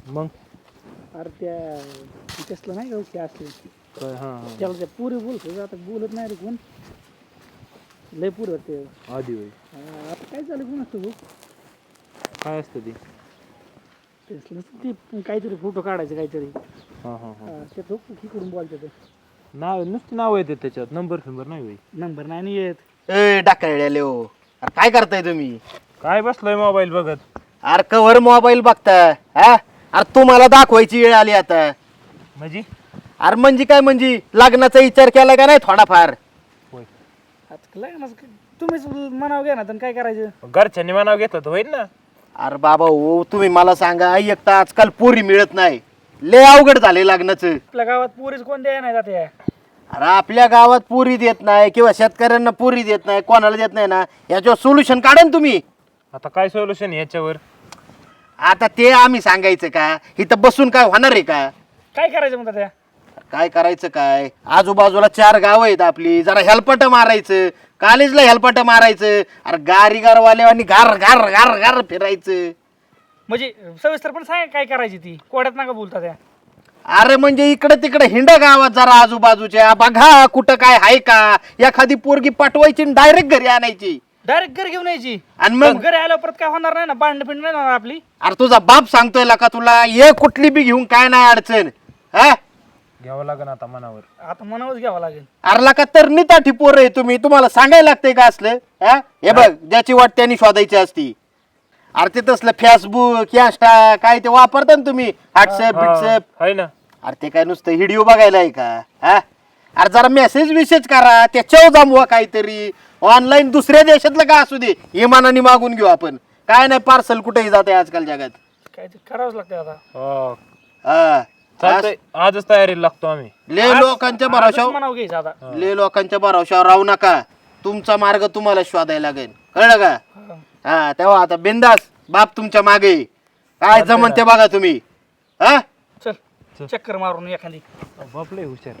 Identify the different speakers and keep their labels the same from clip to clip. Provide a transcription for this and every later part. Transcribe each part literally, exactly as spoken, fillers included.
Speaker 1: मग
Speaker 2: अरे त्या कसलं नाही का ओके असते
Speaker 1: काय हां हां
Speaker 2: त्याला त्या पुरी बोलतो आता बोलत नाही रे कोण लय पुरी होते
Speaker 1: आधी होय
Speaker 2: हा, आता काय झालं कोण असतो भाऊ
Speaker 1: काय असतं ते
Speaker 2: तेच ती काहीतरी फोटो काढायचे काहीतरी
Speaker 1: हां हां हां
Speaker 2: हा, ते तो इकडून बोलतो ते
Speaker 1: नाव नुसती नाव येते त्याच्यात नंबर फिंबर नाही होय
Speaker 2: नंबर नाही नाही येत
Speaker 3: ए डाकळले हो अरे काय करताय तुम्ही
Speaker 1: काय बसलाय मोबाईल बघत
Speaker 3: अरे कवर मोबाईल बघता हा अरे तुम्हाला दाखवायची वेळ आली आता
Speaker 1: म्हणजे
Speaker 3: अरे म्हणजे काय म्हणजे लग्नाचा विचार केला का नाही थोडाफार
Speaker 1: होय
Speaker 2: आता लग्न तुम्हीच म्हणावं घ्या ना तर काय करायचं
Speaker 1: घरच्यांनी मनाव घेतात होईल ना
Speaker 3: अरे बाबा हो तुम्ही मला सांगा एक तर आजकाल पोरी मिळत नाही लय अवघड झाले लग्नाचं
Speaker 2: आपल्या गावात पुरीच कोण द्याय नाही जाते
Speaker 3: अरे आपल्या गावात पुरी देत नाही किंवा शेतकऱ्यांना पुरी देत नाही कोणाला देत नाही ना याच्यावर सोल्युशन काढा ना तुम्ही
Speaker 1: आता काय सोल्युशन याच्यावर
Speaker 3: आता ते आम्ही सांगायचं का इथं बसून काय होणार आहे का
Speaker 2: काय करायचं म्हणतात त्या
Speaker 3: काय करायचं काय आजूबाजूला चार गाव आहेत आपली जरा हेलपट मारायचं कॉलेजला हेलपट मारायचं अरे गारी गारवाल्यावानी गार गार गार गार फिरायचं
Speaker 2: म्हणजे सविस्तर पण सांग काय करायची ती कोड्यात नका बोलता त्या
Speaker 3: अरे म्हणजे इकडे तिकडे हिंड गावात जरा आजूबाजूच्या बघा कुठं काय आहे का एखादी पोरगी पाठवायची डायरेक्ट घरी आणायची
Speaker 2: डायरेक्ट घर घेऊन यायची
Speaker 3: आणि मग
Speaker 2: घरी आल्यावर परत काय होणार नाही ना भांडण पिंड नाही होणार आपली
Speaker 3: अरे तुझा बाप सांगतोय का तुला ये कुठली बी घेऊन काय नाही अडचण हा
Speaker 1: घ्यावं लागेल आता मनावर
Speaker 2: आता मनावच घ्यावं लागेल
Speaker 3: अरला का तर निताठी पोर आहे तुम्ही तुम्हाला सांगायला लागतंय का असलं हा हे बघ ज्याची वाट त्यांनी शोधायची असती अरे ते तसलं फेसबुक इंस्टा काय ते वापरता ना तुम्ही व्हॉट्सअप बिट्सअप
Speaker 1: आहे ना
Speaker 3: अरे ते काय नुसतं व्हिडिओ बघायला आहे का हा अरे जरा मेसेज विसेज करा त्याच्यावर जमवा काहीतरी ऑनलाईन दुसऱ्या देशातलं का असू दे इमानाने मागून घेऊ आपण काय नाही पार्सल कुठेही जाते आजकाल जगात
Speaker 2: काय ते करावंच लागतं आता
Speaker 1: हो.
Speaker 3: हा
Speaker 1: चालतंय आजच तयारीला लागतो आम्ही
Speaker 3: ले लोकांच्या
Speaker 2: आजच
Speaker 3: भरोशावर
Speaker 2: मनाव घ्यायचं आता
Speaker 3: ले लोकांच्या भरोशावर राहू नका तुमचा मार्ग तुम्हाला शोधायला लागेल कळलं का
Speaker 2: हा.
Speaker 3: हा तेव्हा आता बिंदास बाप तुमच्या मागे काय जमन ते बघा तुम्ही हा
Speaker 2: चल चक्कर मारून एखादी
Speaker 1: बापले हुशार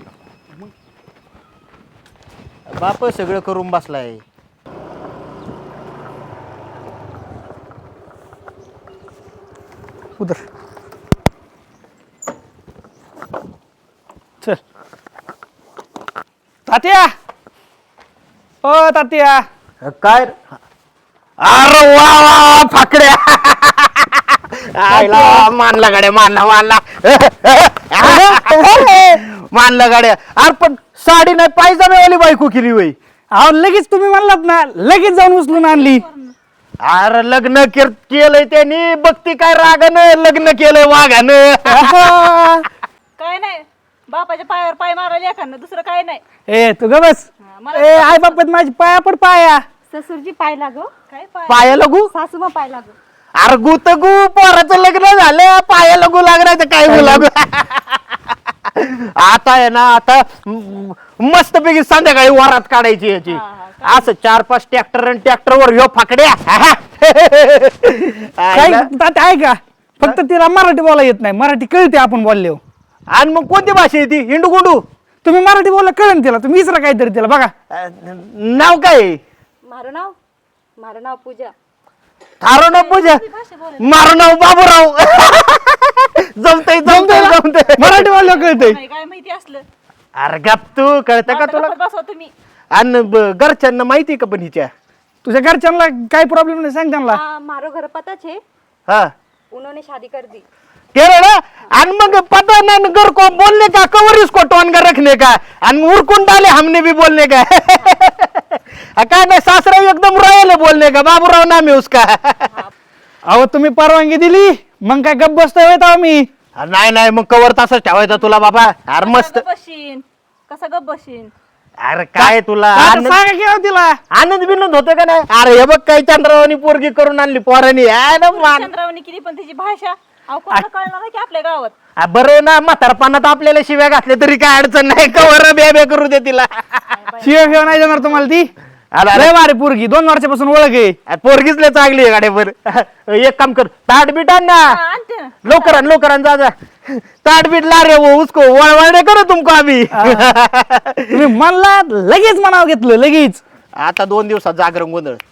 Speaker 3: बाप सगळं करून बसलाय
Speaker 2: उधर चल तात्या ओ तात्या
Speaker 3: काय अरे वा वा फाकड्या आयला मानला गाड्या मानला मानला मानला गाड्या अरे पण साडी नाही पायजामेवाली बायको केली वय
Speaker 2: अहो लगेच तुम्ही म्हणलात ना लगेच जाऊन उचलून आणली
Speaker 3: अरे लग्न केर- केलंय त्यांनी बघती काय रागानं लग्न केलंय वाघानं
Speaker 4: काय नाही बापाच्या पायावर पाय मारायला एखादं दुसरं काय नाही
Speaker 2: ए तू ग बस
Speaker 4: हा, मला
Speaker 2: ए आई बापत माझी पाया पड पाया
Speaker 4: ससुरजी पाय लागो काय पाय
Speaker 3: पाया लगू
Speaker 4: सासू मग पाय लागो
Speaker 3: अरे गु तर गु पोराचं लग्न झालं पाया लगू लागणार तर काय लागू आता आहे ना आता मस्त पैकी संध्याकाळी वरात काढायची याची
Speaker 4: हा,
Speaker 3: असं चार पाच ट्रॅक्टर आणि ट्रॅक्टर वर ह्यो फाकड्या
Speaker 2: काय तात्या आहे का फक्त तिला मराठी बोला येत नाही मराठी कळते आपण बोलले
Speaker 3: आणि मग कोणती भाषा आहे ती हिंडू गुंडू
Speaker 2: तुम्ही मराठी बोलला कळेल तिला तुम्ही विसरा काहीतरी तिला बघा
Speaker 3: नाव काय आहे?
Speaker 4: मारं नाव मारं नाव पूजा
Speaker 3: थारो नाव पूजा
Speaker 4: भाषा बोल
Speaker 3: मारो नाव बाबूराव जमतय जमतय जमतय
Speaker 2: मराठी बोललं कळतंय
Speaker 4: नाही काय माहिती असलं
Speaker 3: अरे गप तू कळतं का तुला
Speaker 4: बसवा तुम्ही
Speaker 3: आणि ब- घरच्यांना माहिती का पण हिच्या
Speaker 2: तुझ्या घरच्यांना काही प्रॉब्लेम नाही सांग त्यांना
Speaker 4: हाँ मारो घर पता छे
Speaker 3: हा
Speaker 4: उन्होंने शादी कर दी
Speaker 3: केलं ना आणि मग पता ना घर को बोलने का कवर इसको टोन कर रखने का आणि उरकून डाले हमने भी बोलने का काय नाही सासरा एकदम रॉयल है बोलने का बाबूराव नाम है उसका
Speaker 2: अहो तुम्ही परवानगी दिली मग काय गप्प बसतोय होय तेव्हा मी
Speaker 3: नाही नाही मग कवर तसंच ठेवायचा तुला बाबा अरे मस्त
Speaker 4: गप बशीन कसा गप बशीन
Speaker 3: अरे काय तुला
Speaker 2: आता
Speaker 3: आनंद
Speaker 2: सांगा की राव तिला
Speaker 3: आनंद बिनंद होतं का नाही अरे हे बघ काही चंद्रावानी पोरगी करून आणली पोरानी आहे ना मान
Speaker 4: चंद्रावणी किती पण तिची भाषा अहो कोणाला कळणार आहे की आपल्या गावात
Speaker 3: आ, बरं ना म्हातारपणात आपल्याला शिव्या घातल्या तरी काय अडचण नाही कवर बे बे करू दे तिला
Speaker 2: शिवाय शिवाय नाही जाणार तुम्हाला ती
Speaker 3: अरे,
Speaker 2: लय भारी पोरगी दोन वर्षापासून ओळख आहे
Speaker 3: आ, पोरगीच लय चांगली आहे गाड्यावर एक काम कर ताट बीट आण ना
Speaker 4: हा, आणते ना
Speaker 3: लवकर आण लवकर आण जा जा ताट बीट ला रे वो उसको वळवळ करो तुमको अभी
Speaker 2: तुम्ही म्हणला लगेच मनाव घेतलं लगेच
Speaker 3: आता दोन दिवसात जागरण गोंधळ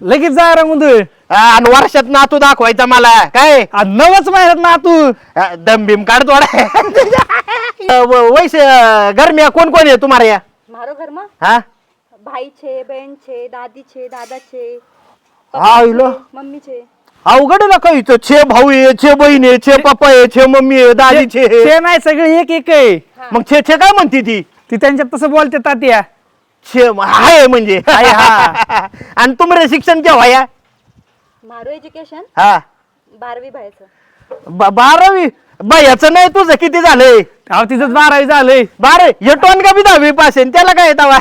Speaker 2: लगेच जा रंगून
Speaker 3: आणि वर्षात नातू दाखवायचा मला काय
Speaker 2: नवच महिन्यात ना तू
Speaker 3: अ, दम बिम काढ थोडा वैसे घर में कोण कोण आहे तुम्हाला या
Speaker 4: મારો ઘરમાં
Speaker 3: हा
Speaker 4: ભાઈ છે બેન છે દાદી છે દાદા છે
Speaker 3: हा इलो
Speaker 4: મમ્મી છે
Speaker 3: अवघड ना काही इथं छे भाऊ आहे छे बहीण आहे छे पप्पा आहे छे मम्मी आहे दादी छे
Speaker 2: ते नाही सगळे एक एक आहे
Speaker 3: मग छे छे काय म्हणते ती
Speaker 2: ती त्यांच्यात तसं बोलते तात्या
Speaker 3: छे हाय म्हणजे
Speaker 2: हाय, हा.
Speaker 3: आणि तुमरे शिक्षण केव्हा या
Speaker 4: મારું એજ્યુકેશન
Speaker 3: हा
Speaker 4: બારવી ભાઈ
Speaker 3: ब- બારાवी बायाचं नाही तुझं किती झालंय
Speaker 2: अहो तिथंच बारावी झालंय
Speaker 3: बारे हे टोन का बी दहावी पास आहे त्याला काय येतावा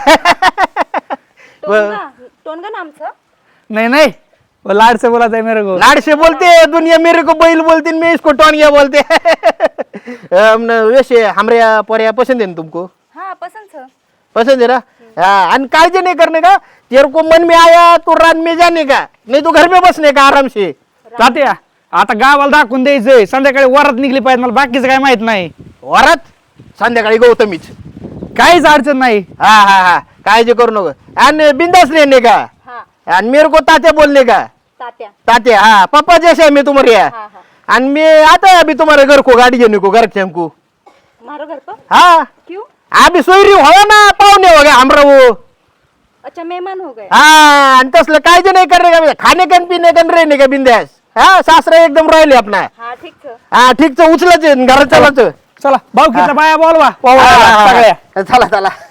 Speaker 4: ટોનગા ટોનગા નામ છે
Speaker 2: नाही नाही वो लाड से बोला था मेरे को
Speaker 3: लाडशे बोलते दुनिया मेरे को बैल बोलती मैं इसको टोन गया बोलते अम, न, वैसे हमारे पोरिया पसंद है ना तुमको
Speaker 4: હા પસંદ છે
Speaker 3: पसंद है ना हाँ, आणि काळजी नहीं करने का तेरे को मन में आया तो रात में जाने का नहीं तो घर में बसने का आराम से
Speaker 2: तात्या आता गावाला दाखवून द्यायचंय संध्याकाळी वरात निघली पाहिजे मला बाकीचं काय माहित नाही
Speaker 3: वरात संध्याकाळी गौतमीच
Speaker 2: काहीच अडचण नाही
Speaker 3: हा हा हा काळजी करू नको आणि बिंदास रहने का
Speaker 4: હા
Speaker 3: आणि मेरे को तात्या बोलने का
Speaker 4: તાત્યા
Speaker 3: तात्या हाँ पापा जैसे है मैं तुम्हारे यहाँ
Speaker 4: हाँ हाँ
Speaker 3: आणि मैं आता है अभी तुम्हारे घर को गाड़ी देने को घर के हमको
Speaker 4: મારો ઘર પર
Speaker 3: हाँ
Speaker 4: क्यों
Speaker 3: अभी सोयरी हो ना पाहुणे हो गया हमरा वो
Speaker 4: अच्छा मेहमान हो गए
Speaker 3: हाँ आणि तसलं काळजी नाही करणे का खाणे का पीने का रहने का बिंदास हा सासरा एकदम राहिले आपला
Speaker 4: હા ઠીક છે
Speaker 3: हा ठीक उचलच घरात चलाच
Speaker 2: चला भाऊकीच्या बाया बोलवा
Speaker 3: हा, हा, हा.
Speaker 2: सगळ्या
Speaker 3: चला चला